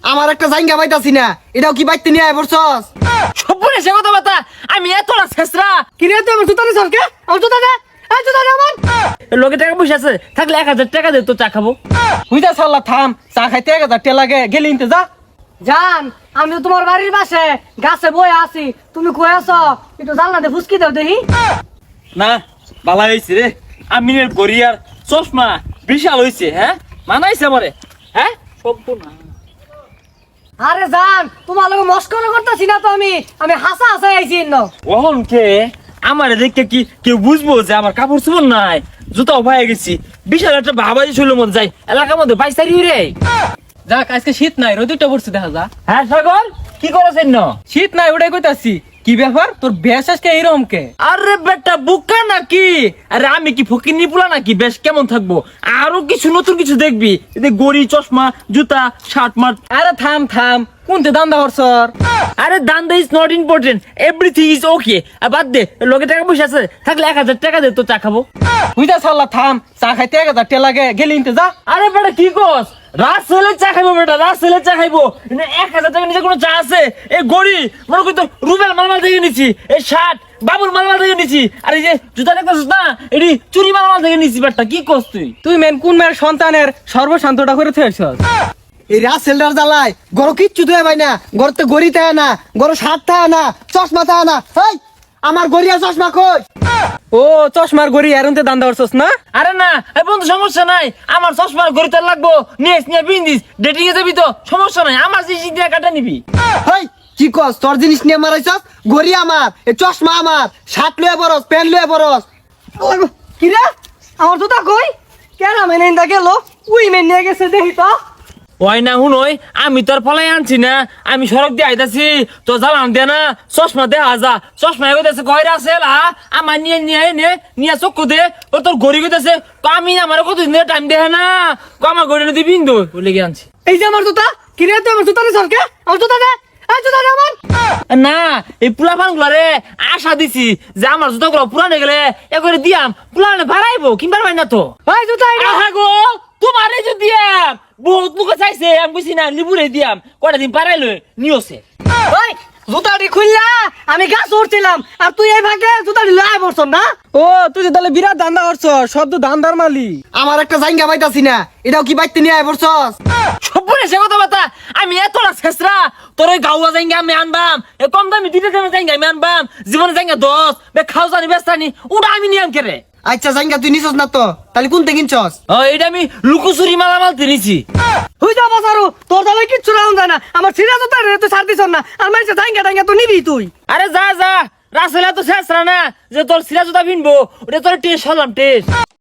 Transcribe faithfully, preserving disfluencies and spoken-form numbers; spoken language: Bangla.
আমার একটা জায়গা পাইতাছি না, এটাও কি বাইতে নিয়ে আয় পড়ছস? সবুরে সে কথা বাতা আমি এতটা ছেসরা কি রে তুই আমার জুতা দিছস কে? আমার জুতা দে, এই জুতা দে আমার। লোকে টাকা পয়সা আছে থাকলে এক হাজার টাকা দে তো চা খাবো। হুইদা সাল্লা থাম, চা খাইতে এক হাজার টাকা লাগে, গেলি ইনতে যা। জান, আমি তো তোমার বাড়ির পাশে গাছে বয়ে আছি, তুমি কই আছো? একটু জানলাতে ফুসকি দাও দেখি। না বালা হয়েছে রে, আমিনের গড়িয়ার চশমা বিশাল হয়েছে। হ্যাঁ মানাইছে আমারে। হ্যাঁ সম্পূর্ণ আরে জান, তোমার লগে মস্করা করতেছি না তো আমি, আমি হাসা হাসা আইছি ন। ওহন কে আমারে দেখে কি কেউ বুঝবো যে আমার কাপড় চোপড় নাই, জুতাও পায়ে গেছি, বিশাল একটা বাবাজি শৈলের মধ্যে যাই, এলাকার মধ্যে বাইশ তারিখ রে। যাক আজকে শীত নাই, রোদিটা পড়ছে দেখা যা। হ্যাঁ সাগর কি করেছেন ন? শীত নাই ওটাই কইতাছি। কি ব্যাপার তোর বেশ আজকে এইরকম কে? আরে বেটা বুকা নাকি? আরে আমি কি ফকিন্নি পুলা নাকি বেশ কেমন থাকবো? আরো কিছু নতুন কিছু দেখবি, এতে গড়ি চশমা জুতা শার্ট মার্ট। আরে থাম থাম, কোনতে দান্দা হরছর? আরে দান্দা is not important, everything is okay. আর বাদ দে, লোকে টাকা পয়সা আছে থাকলে এক হাজার টাকা দে তো চা খাবো। হুইদা সাল্লা থাম, চা খাইতে এক হাজার টাকা লাগে, গেলি ইনতে যা। আরে বেটা কি কস? রাত ছেলে চা খাইবো বেটা, রাত ছেলে চা খাইবো। এনে এক হাজার টাকা নিচে কোনো চা আছে? এই গড়ি মনে করি তো রুবেল মালমাল থেকে নিচ্ছি, এই শার্ট বাবুর মালমাল থেকে নিচ্ছি, আর এই যে জুতা দেখতেছিস না এটি চুরি মালমাল থেকে নিচ্ছি। বেটা কি কস তুই? তুই মেন কোন মেয়ের সন্তানের সর্বশান্তটা করে থেছস? এই রাসেলটার জ্বালায় গরো কিচ্ছু ধুয়ে ভাই না, গরতে গড়ি থাকে না, গরো শার্ট থাকে না, চশমা থাকে না। এই আমার গড়িয়া চশমা কই? ও চশমার গড়ি এরন্তে দান্দা হরছস না? আরে না এই বন্ধু সমস্যা নাই, আমার চশমার গড়িতে লাগবো, নিয়ে নিয়ে বিন্দিস ডেটিং এ যাবি তো সমস্যা নাই, আমার জিনিস দিয়ে কাটা নিবি। হেই কি কস? তোর জিনিস নিয়ে মারাইছস? গড়ি আমার, এই চশমা আমার, শার্ট লয়ে বরস, প্যান্ট লয়ে বরস। কি রে আমার জুতা কই? কেন মেনে ইন্দা গেল? উই মেন নিয়ে গেছে দেখি তো। ওই না হুনই, আমি তোর ফলাই আনছি না, আমি সড়ক দিয়ে আইতাছি তো জ্বালান দে না, চশমা দে হাজা চশমা এগোতেছে কয়রা আছে লা, আমার নিয়ে নিয়ে নে নিয়ে চক্ষু দে, ও তোর ঘড়ি গেতেছে তো আমি আমার কতদিন টাইম দেখে না, কো আমার ঘড়ি নদী বিন্দু বলে গিয়ে আনছি। এই যে আমার জুতা, কি রে তুই আমার জুতা দিছস কে? আমার জুতা দে, এই জুতা দে আমার। না এই পুলাপান গুলারে আশা দিছি যে আমার জুতা গুলো পুরানে গেলে এ করে দিয়াম, পুরানে বাড়াইবো কিনবার পাই না তো। এই জুতা এটা আহা গো তোমারে যে দিয়াম, বহুত লোকে চাইছে, আমি বুঝি না লিবুরে দিয়াম, কয়টা দিন পারাইলো নিওছে। ওই জুতাটি খুললা আমি গাছ উঠছিলাম, আর তুই এই ভাগে জুতাটি লয়ে পড়ছ না? ও তুই যে তাহলে বিরাট দান্দা হরছস, সব তো দান্দার মালি। আমার একটা জায়গা পাইতাছি না, এটাও কি বাইতে নিয়ে আয় পড়ছস? সবুরে সে কথা বাতা আমি এতটা ছেসরা, তোর ওই গাওয়া জায়গা আমি আনবাম, এ কম দামি দিতে দামে জায়গা আমি আনবাম, জীবনে জায়গা দশ বে খাও জানি বেস্তানি ওটা আমি নিয়াম কেরে। আচ্ছা জায়গা তুই নিছস না তো, তাহলে কোনতে কিনছস? ও এটা আমি লুকোচুরি মালামাল কিনেছি। হুই যা বাজারু, তোর দামে কিচ্ছু রাউন যায় না, আমার সিরা জুতা রে তুই ছাড় দিছস না, আর মাইছে জায়গা টাঙ্গা তো নিবি তুই। আরে যা যা রাসেলা তো ছেসরা না যে তোর সিরা জুতা কিনবো, ওটা তোর টেস্ট হলাম টেস্ট।